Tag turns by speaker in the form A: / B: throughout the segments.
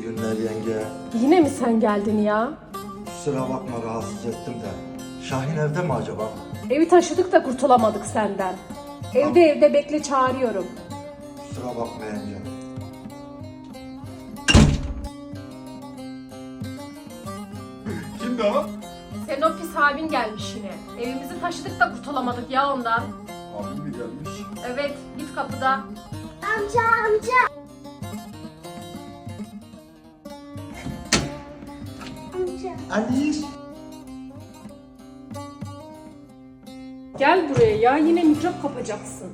A: günler yenge.
B: Yine mi sen geldin ya?
A: Kusura bakma rahatsız ettim de. Şahin evde mi acaba?
B: Evi taşıdık da kurtulamadık senden. Evde bekle, çağırıyorum.
A: Kusura bakma yenge.
C: Kimdi o?
B: Senin o pis abin gelmiş yine. Evimizi taşıdık da kurtulamadık ya ondan.
C: Abim mi gelmiş?
B: Evet, git kapıda.
D: Amca.
A: Alice.
B: Gel buraya ya, yine mikrop kapacaksın.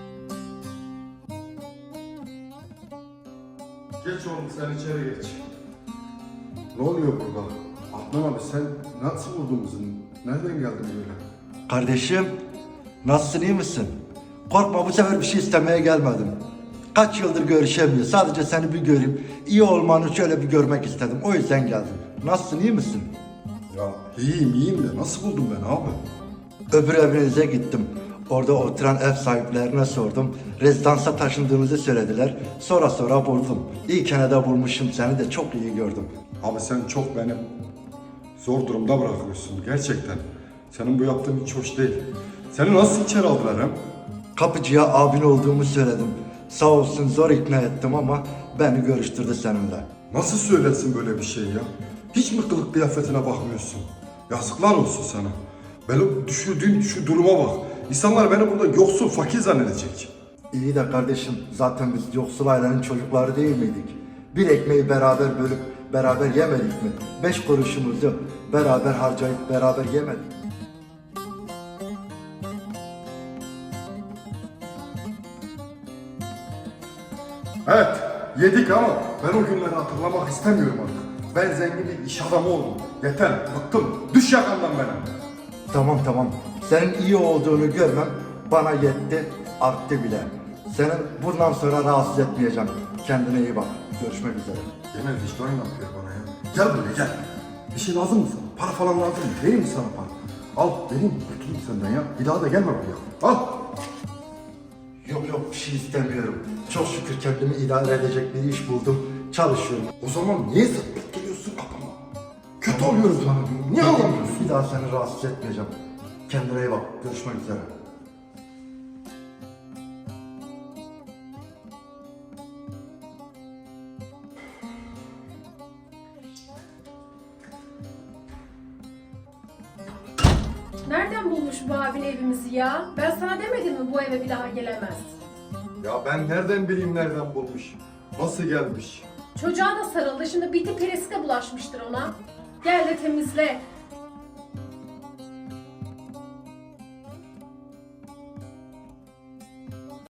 C: Geç oğlum sen içeri geç. Ne oluyor burada? Adnan abi sen nasıl vurdun bizi? Nereden geldin böyle?
A: Kardeşim, nasılsın, iyi misin? Korkma, bu sefer bir şey istemeye gelmedim. Kaç yıldır görüşemiyoruz. Sadece seni bir göreyim. İyi olmanı şöyle bir görmek istedim. O yüzden geldim. Nasılsın, iyi misin?
C: Ya iyiyim de nasıl buldun beni abi?
A: Öbür evinize gittim. Orada oturan ev sahiplerine sordum. Rezidansa taşındığınızı söylediler. Sonra buldum. İyi de bulmuşum, seni de çok iyi gördüm.
C: Abi sen çok beni zor durumda bırakıyorsun gerçekten. Senin bu yaptığın hiç hoş değil. Seni nasıl içeri aldılar hem?
A: Kapıcıya abin olduğumu söyledim. Sağ olsun zor ikna ettim ama beni görüştürdü seninle.
C: Nasıl söylersin böyle bir şey ya? Hiç mi kılık kıyafetine bakmıyorsun? Yazıklar olsun sana. Benim düşürdüğün şu duruma bak. İnsanlar beni burada yoksul, fakir zannedecek.
A: İyi de kardeşim, zaten biz yoksul ailenin çocukları değil miydik? Bir ekmeği beraber bölüp beraber yemedik mi? 5 kuruşumuzu beraber harcayıp beraber yemedik.
C: Evet, yedik ama ben o günleri hatırlamak istemiyorum artık. Ben zengin bir iş adamı oldum. Yeter, bıktım. Düş yakamdan benim.
A: Tamam. Senin iyi olduğunu görmem bana yetti, arttı bile. Seni bundan sonra rahatsız etmeyeceğim. Kendine iyi bak. Görüşmek üzere.
C: Genel vicdan yapıyor bana ya. Gel buraya gel. Bir şey lazım mı sana? Para falan lazım mı? Vereyim mi sana para? Al, vereyim mi? Kurtulayım senden ya. Bir daha da gelme buraya. Al.
A: Yok, bir şey istemiyorum. Çok şükür kendimi idare edecek bir iş buldum. Çalışıyorum.
C: O zaman niye zıplık geliyorsun kapıma? Kötü
A: Tamam,
C: oluyoruz bana. Niye alamıyorsun?
A: Bir daha seni rahatsız etmeyeceğim. Kendine iyi bak. Görüşmek üzere.
B: Nereden bulmuş bu abin evimizi ya? Ben sana demedim mi bu eve bir daha gelemez?
C: Ya ben nereden bileyim nereden bulmuş? Nasıl gelmiş?
B: Çocuğa da sarıldı, şimdi biti perisi de bulaşmıştır ona. Gel de temizle.